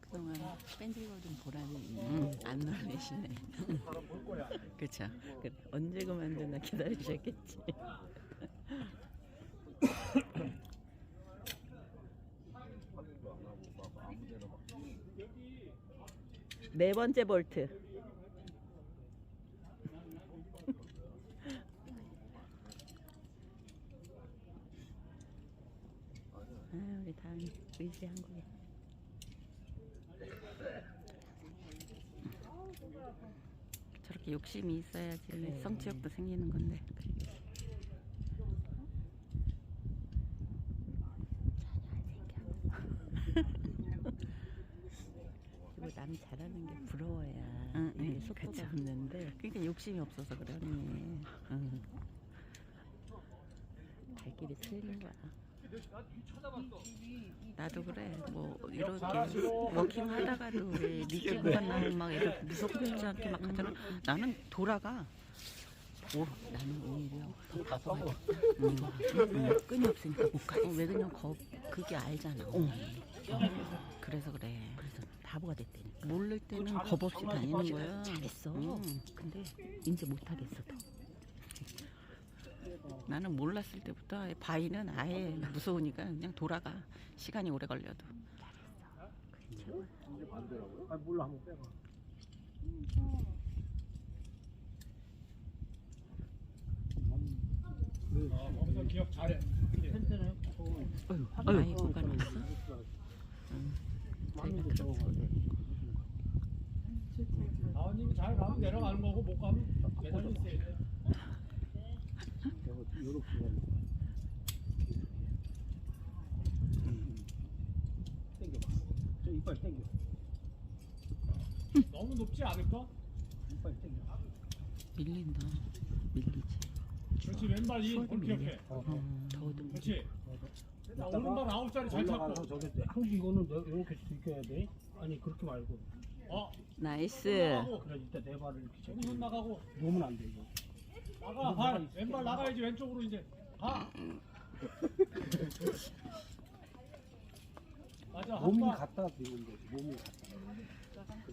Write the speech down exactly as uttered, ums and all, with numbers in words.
그동안 뺀질거린 보람이 음, 안 놀래시네. 그쵸. 그래. 언제 그만두나 기다리셨겠지. 네 번째 볼트. 아, 우리 다은 의지 한국에. 저렇게 욕심이 있어야지 네. 성취욕도 생기는 건데. 뭐 남 잘하는 게 부러워야 응, 이게 응, 속도가 그쵸. 붙는데 그러니까 욕심이 없어서 그래 언니. 응. 갈 길이 틀린 거야. 나도 그래. 뭐 이렇게 워킹 하다가도 왜 미끼 구간 나오면 막 이렇게 무섭지 않게 막 하잖아. 나는 돌아가. 오, 나는 오히려 더 가봐야 돼. 응. 응. 끈이 없으니까 못 가. 어, 왜 그냥 거 그게 알잖아. 어. 그래서 그래. 그래서 바보가 됐다니까. 모를 때는 겁 없이 다니는 거야. 잘했어. 응. 근데 이제 못하겠어 더. 나는 몰랐을 때부터 바위는 아예 무서우니까 그냥 돌아가. 시간이 오래 걸려도. 그게 최고야. 이제 반대라고요? 아 몰라 한번 빼봐. 아, 거기서 기억 잘해. 텐트는 어휴, 아유, 아이 구간 왔어? 많은 거 적어가야 돼. 다원님이 잘 가면 내려가는 거고 못 가면 계단이 있어야 돼. 내가 이렇게 가는 거야. 당겨봐. 저 이빨 당겨. 너무 높지 않을까? 이빨 당겨. 밀린다. 밀리지. 그렇지 왼발 이 수월이 볼 밀려. 기억해. 어, 어. 음, 더워도 그렇지. 자, 이따가 오른발 아홉 자리 잘 올라가서 찾고. 저기 때 항상 이거는 내가 이렇게 들켜야 돼. 아니 그렇게 말고. 어. 나이스. 나가고. 그래 이따 내 발을 이렇게 잡고. 오른손 나가고. 놓으면 안 돼 이거. 나가 발. 왼발 나가야지 왼쪽으로 이제. 가. 맞아 한 몸이 발. 갖다 대는 거지. 몸이 갖다.